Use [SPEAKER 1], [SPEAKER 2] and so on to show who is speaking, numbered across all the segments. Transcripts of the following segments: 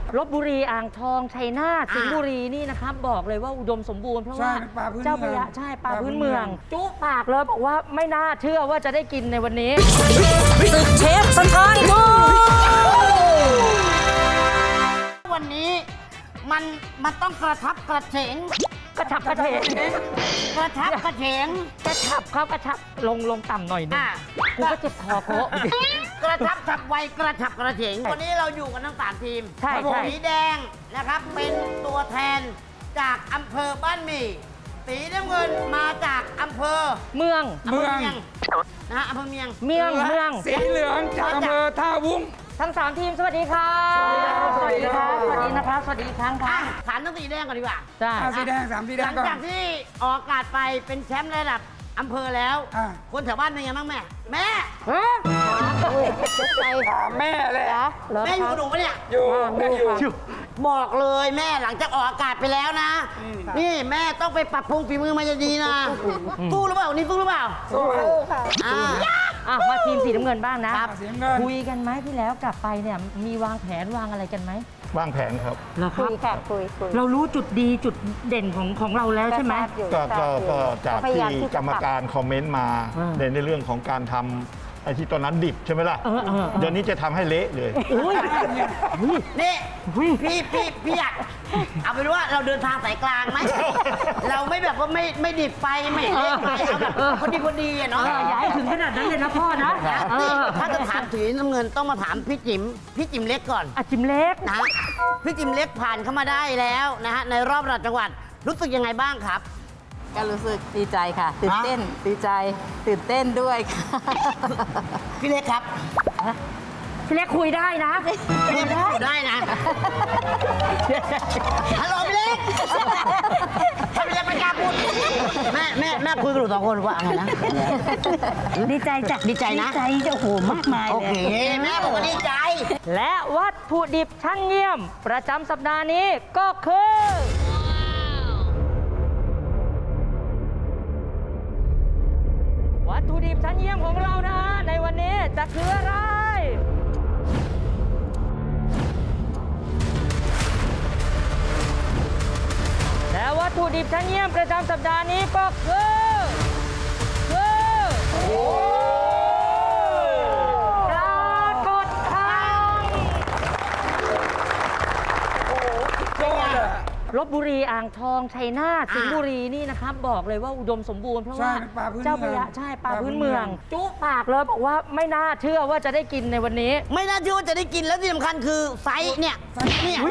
[SPEAKER 1] ลพบุรีอ่างทองชัยนาทสิงห์บุรีนี่นะครับบอกเลยว่าอุดมสมบูรณ์เพราะว่าเจ้าพระยาใช่ปลาพื้นเมืองจุปากเลยบอกว่าไม่น่าเชื่อว่าจะได้กินในวันนี้ศึกเชฟสถานโก
[SPEAKER 2] วันนี้มันต้องกระทับกระเฉง
[SPEAKER 1] กระฉับกระเฉง
[SPEAKER 2] กระทับกระเฉง
[SPEAKER 1] กระฉับเขากระฉับลงต่ำหน่อยนึงกูก็เจ็บคอโก
[SPEAKER 2] กระทับฉับไวกระฉับกระเฉงวันนี้เราอยู่กันทั้ง3ทีมสีแดงนะครับเป็นตัวแทนจากอำเภอบ้านหมี่สีน้ำเงินมาจากอำเภอ
[SPEAKER 1] เมือง
[SPEAKER 2] นะฮะอำเภอเมียง
[SPEAKER 3] สีเหลืองจากอำเภอท่าวุ้ง
[SPEAKER 1] ทั้ง3ทีมสวัสดีครับสวัสดีครับสวัสดีนะครับสวัสดีอีกครั้งครับ
[SPEAKER 2] ฐานทั้งสีแดงก่อนดีกว่า
[SPEAKER 3] สีแดง3สีแดง
[SPEAKER 2] หลังจากที่ออกอากาศไปเป็นแชมป์ระดับอำเภอแล้วคนแถวบ้านเป็นยังไงบ้างแม่แม่
[SPEAKER 3] แม่เลย
[SPEAKER 2] แม่อยู่กับหนูปะเนี่ย
[SPEAKER 3] อยู่
[SPEAKER 2] บอกเลยแม่หลังจากออกอากาศไปแล้วนะนี่แม่ต้องไปปรับปรุงฝีมือมาจะดีนะสู้หรือเปล่านี่สู้หรือเปล่า
[SPEAKER 3] สู้
[SPEAKER 2] ค่ะ
[SPEAKER 1] มาทีมสีน้ำเงินบ้างนะคุยกันไหมที่แล้วกลับไปเนี่ยมีวางแผนวางอะไรกันไหม
[SPEAKER 4] วางแผนครับ
[SPEAKER 1] คุยค่ะคุยเรารู้จุดดีจุดเด่นของเราแล้วใช่ไหม
[SPEAKER 4] ก็จากที่กรรมการคอมเมนต์มาในเรื่องของการทำไอ้ที่ตอนนั้นดิบใช่ไหมล่ะเดี๋ยวนี้จะทำให้เละเลย
[SPEAKER 2] นี่พี่อยากเอาเป็นว่าเราเดินทางสายกลางไหมเราไม่แบบว่าไม่ดิบไปไม่เละไปเอาแบบพอดีเนาะ
[SPEAKER 1] อย่าให้ถึงขนาดนั้นเลยนะพ่อนะ
[SPEAKER 2] ถ้าจะถามสีน้ำเงินต้องมาถามพี่จิ๋มเล็กก่อน
[SPEAKER 1] จิ๋มเล็ก
[SPEAKER 2] นะพี่จิ๋มเล็กผ่านเข้ามาได้แล้วนะฮะในรอบระดับจังหวัดรู้สึกยังไงบ้างครับ
[SPEAKER 5] ก็รู้สึกดีใจค่ะตื่นเต้นดีใจตื่นเต้นด้วยค่ะ
[SPEAKER 2] พี่เล็กครับ
[SPEAKER 1] พี่เล็กคุยได้นะ
[SPEAKER 2] คุยได้นะฮัลโหลพี่เล็กถ้าพี่เล็กไม่กล้าพูดแม่คุยกับหนู2 คนว่าไงนะ
[SPEAKER 5] ดีใจจ้ะ
[SPEAKER 2] ดีใจนะ
[SPEAKER 5] ดีใจจะโหมากมายเลย
[SPEAKER 2] โอเคแม่บอกว่าดีใจ
[SPEAKER 1] และวัตถุดิบชั้นเยี่ยมประจำสัปดาห์นี้ก็คือวัตถุดิบชั้นเยี่ยมของเรานะในวันนี้จะคืออะไรและวัตถุดิบชั้นเยี่ยมประจำสัปดาห์นี้ก็คือปลากดคังลพบุรีอ่างทองชัยนาทสิงห์บุรีนี่นะครับบอกเลยว่าอุดมสมบูรณ์เพราะว่าเจ้าพระยาใช่ปลาพื้นเมืองจุปากเลยบอกว่าไม่น่าเชื่อว่าจะได้กินในวันนี้
[SPEAKER 2] ไม่น่าเชื่อว่าจะได้กินแล้วที่สำคัญคือไซส์เนี่ยไซส์เนี้ย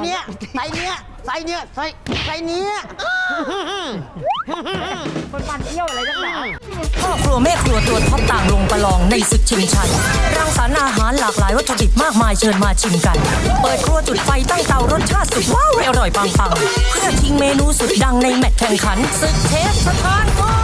[SPEAKER 1] มันเที่ยวอะไรนักหนา
[SPEAKER 6] พ่อครัวแม่ครัวตัวท็อปต่างลงประลองในศึกชิงชัยรังสรรค์อาหารหลากหลายวัตถุดิบมากมายเชิญมาชิมกันเปิดครัวจุดไฟตั้งเตารสชาติสุดว้าวอร่อยปังๆเพื่อชิงเมนูสุดดังในแมตช์แข่งขันศึกเชฟสถานโก